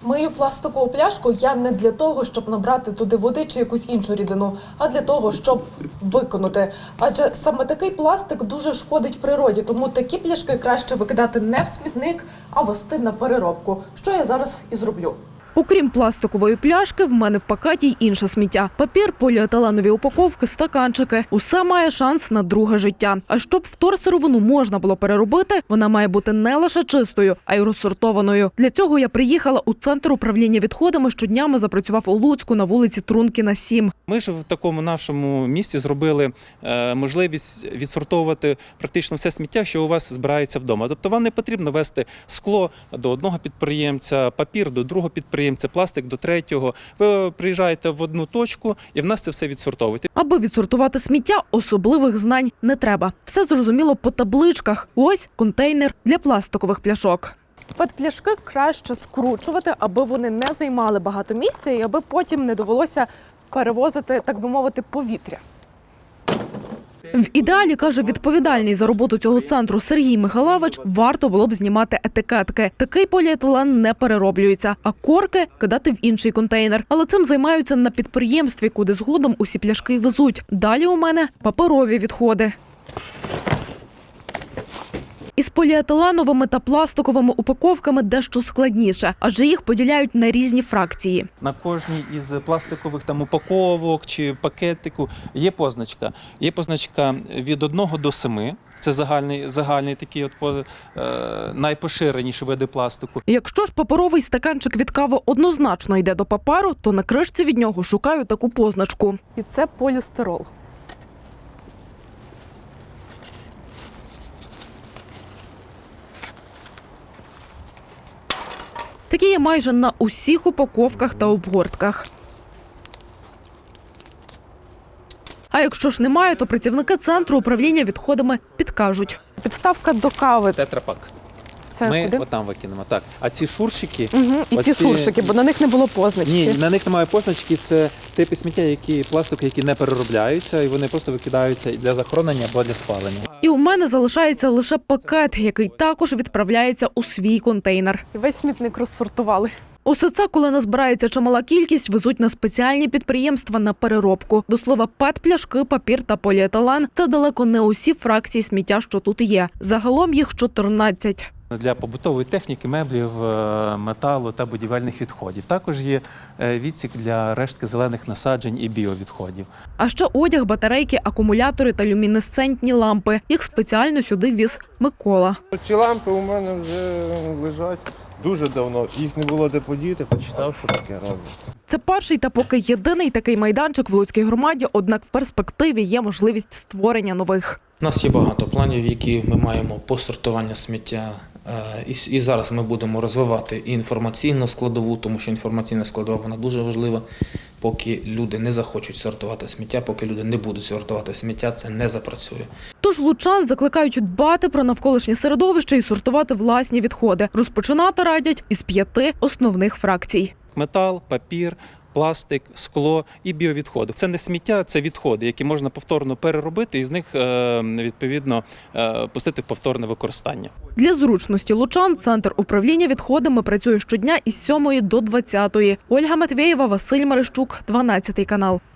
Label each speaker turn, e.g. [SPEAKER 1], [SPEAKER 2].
[SPEAKER 1] Мию пластикову пляшку я не для того, щоб набрати туди води чи якусь іншу рідину, а для того, щоб викинути. Адже саме такий пластик дуже шкодить природі, тому такі пляшки краще викидати не в смітник, а вести на переробку, що я зараз і зроблю. Окрім пластикової пляшки, в мене в пакеті й інше сміття. Папір, поліетиленові упаковки, стаканчики. Усе має шанс на друге життя. А щоб вторсировину можна було переробити, вона має бути не лише чистою, а й розсортованою. Для цього я приїхала у Центр управління відходами, що днями запрацював у Луцьку на вулиці Трункіна, 7.
[SPEAKER 2] Ми ж в такому нашому місті зробили можливість відсортовувати практично все сміття, що у вас збирається вдома. Тобто вам не потрібно вести скло до одного підприємця, папір до другого підприємця, пластик до третього. Ви приїжджаєте в одну точку і в нас це все відсортовуєте.
[SPEAKER 1] Аби відсортувати сміття, особливих знань не треба. Все зрозуміло по табличках. Ось контейнер для пластикових пляшок. Пет-пляшки краще скручувати, аби вони не займали багато місця і аби потім не довелося перевозити, так би мовити, повітря. В ідеалі, каже відповідальний за роботу цього центру Сергій Михайлович, варто було б знімати етикетки. Такий поліетилен не перероблюється, а корки кидати в інший контейнер. Але цим займаються на підприємстві, куди згодом усі пляшки везуть. Далі у мене паперові відходи. Із поліетиленовими та пластиковими упаковками дещо складніше, адже їх поділяють на різні фракції.
[SPEAKER 2] На кожній із пластикових упаковок чи пакетику є позначка. Є позначка від 1 до 7. Це загальний такий найпоширеніші види пластику.
[SPEAKER 1] Якщо ж паперовий стаканчик від кави однозначно йде до паперу, то на кришці від нього шукаю таку позначку. І це полістирол. Такі є майже на усіх упаковках та обгортках. А якщо ж немає, то працівники Центру управління відходами підкажуть. Підставка до кави.
[SPEAKER 2] Тетрапак.
[SPEAKER 1] Це
[SPEAKER 2] ми
[SPEAKER 1] куди?
[SPEAKER 2] отам викинемо. Так. А ці шуршики...
[SPEAKER 1] І ці шуршики, бо на них не було позначки.
[SPEAKER 2] Ні, на них немає позначки. Це типи сміття, пластики, які не переробляються, і вони просто викидаються для захоронення або для спалення.
[SPEAKER 1] І у мене залишається лише пакет, який також відправляється у свій контейнер. І весь смітник розсортували. Усе це, коли назбирається чимала кількість, везуть на спеціальні підприємства на переробку. До слова, пет-пляшки, папір та поліетилен – це далеко не усі фракції сміття, що тут є. Загалом їх 14.
[SPEAKER 2] Для побутової техніки, меблів, металу та будівельних відходів. Також є відсік для рештки зелених насаджень і біовідходів.
[SPEAKER 1] А ще одяг, батарейки, акумулятори та люмінесцентні лампи. Їх спеціально сюди віз Микола.
[SPEAKER 3] Ці лампи у мене вже лежать дуже давно. Їх не було де подіти, почитав, що таке роблять.
[SPEAKER 1] Це перший та поки єдиний такий майданчик в Луцькій громаді, однак в перспективі є можливість створення нових.
[SPEAKER 4] У нас є багато планів, які ми маємо по сортуванню сміття. І зараз ми будемо розвивати і інформаційну складову, тому що інформаційна складова вона дуже важлива. Поки люди не захочуть сортувати сміття, поки люди не будуть сортувати сміття, це не запрацює.
[SPEAKER 1] Тож лучан закликають дбати про навколишнє середовище і сортувати власні відходи. Розпочинати радять із 5 основних фракцій.
[SPEAKER 2] Метал, папір, пластик, скло і біовідходи. Це не сміття, це відходи, які можна повторно переробити і з них, відповідно, пустити в повторне використання.
[SPEAKER 1] Для зручності лучан Центр управління відходами працює щодня із 7 до 20. Ольга Матвєєва, Василь Марищук, 12 канал.